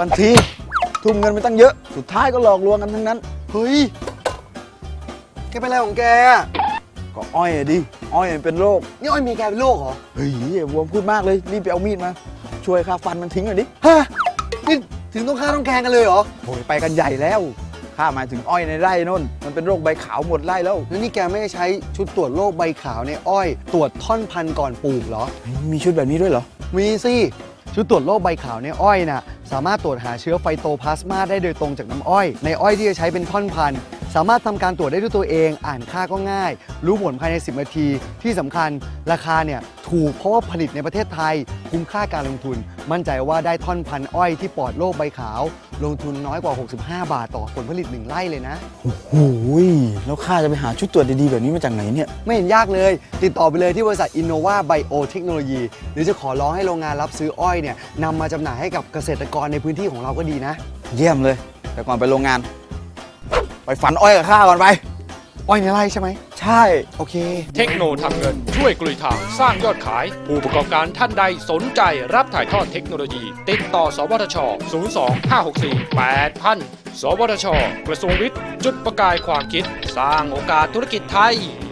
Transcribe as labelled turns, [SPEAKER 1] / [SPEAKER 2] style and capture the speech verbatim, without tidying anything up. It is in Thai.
[SPEAKER 1] กันทีทุ่มเงินไปตั้งเยอะสุดท้ายก็หลอกลวงกันทั้งนั้น
[SPEAKER 2] เฮ้ยแกเป็นอะไรของแก
[SPEAKER 1] ก็อ้อยดิอ้อยเป็นโรค
[SPEAKER 2] นี่อ้อยมีแกเป็นโรคเหรอ
[SPEAKER 1] เฮ้ยบวมพูดมากเลยรีบไปเอามีดมาช่วยค่าฟันมันทิ้งหน่อยดิ
[SPEAKER 2] ฮะนี่ถึงต้องฆ่าต้องแกงกันเลยเหรอ
[SPEAKER 1] โอ้ยไปกันใหญ่แล้วข้าหมายถึงอ้อยในไร่นู่นมันเป็นโรคใบขาวหมดไร่แล้ว
[SPEAKER 2] แล้วนี่แกไม่ได้ใช้ชุดตรวจโรคใบขาวในอ้อยตรวจท่อนพันธุ์ก่อนปลูกเหรอ
[SPEAKER 1] มีชุดแบบนี้ด้วยเหรอ
[SPEAKER 2] มีสิชุดตรวจโรคใบขาวในอ้อยน่ะสามารถตรวจหาเชื้อไฟโตพลาสมาได้โดยตรงจากน้ำอ้อยในอ้อยที่จะใช้เป็นท่อนพันธุ์สามารถทำการตรวจได้ด้วยตัวเองอ่านค่าก็ง่ายรู้ผลภายในสิบนาทีที่สำคัญราคาเนี่ยถูกเพราะว่าผลิตในประเทศไทยคุ้มค่าการลงทุนมั่นใจว่าได้ท่อนพันธุ์อ้อยที่ปลอดโรคใบขาวลงทุนน้อยกว่าหกสิบห้าบาทต่อผลผลิตหนึ่งไร่เลยนะ
[SPEAKER 1] โอ้โหแล้วข้าจะไปหาชุดตรวจดีๆแบบนี้มาจากไหนเนี่ย
[SPEAKER 2] ไม่เห็นยากเลยติดต่อไปเลยที่บริษัท Innova Biotechnology หรือจะขอร้องให้โรงงานรับซื้ออ้อยเนี่ยนำมาจำหน่ายให้กับเกษตรกรในพื้นที่ของเราก็ดีนะ
[SPEAKER 1] เยี่ยมเลยแต่ก่อนไปโรงงานไปฝันอ้อยกับข้าก่อนไป
[SPEAKER 2] อ้อยในไร่ใช่ไหม
[SPEAKER 1] ใช่
[SPEAKER 2] โอเค
[SPEAKER 3] เทคโนทำเงินช่วยกลุยทางสร้างยอดขายผู้ประกอบการท่านใดสนใจรับถ่ายทอดเทคโนโลยีติดต่อสวทช ศูนย์ สอง ห้า หก สี่ แปด ศูนย์ ศูนย์ สวทช กระทรวงวิทย์จุดประกายความคิดสร้างโอกาสธุรกิจไทย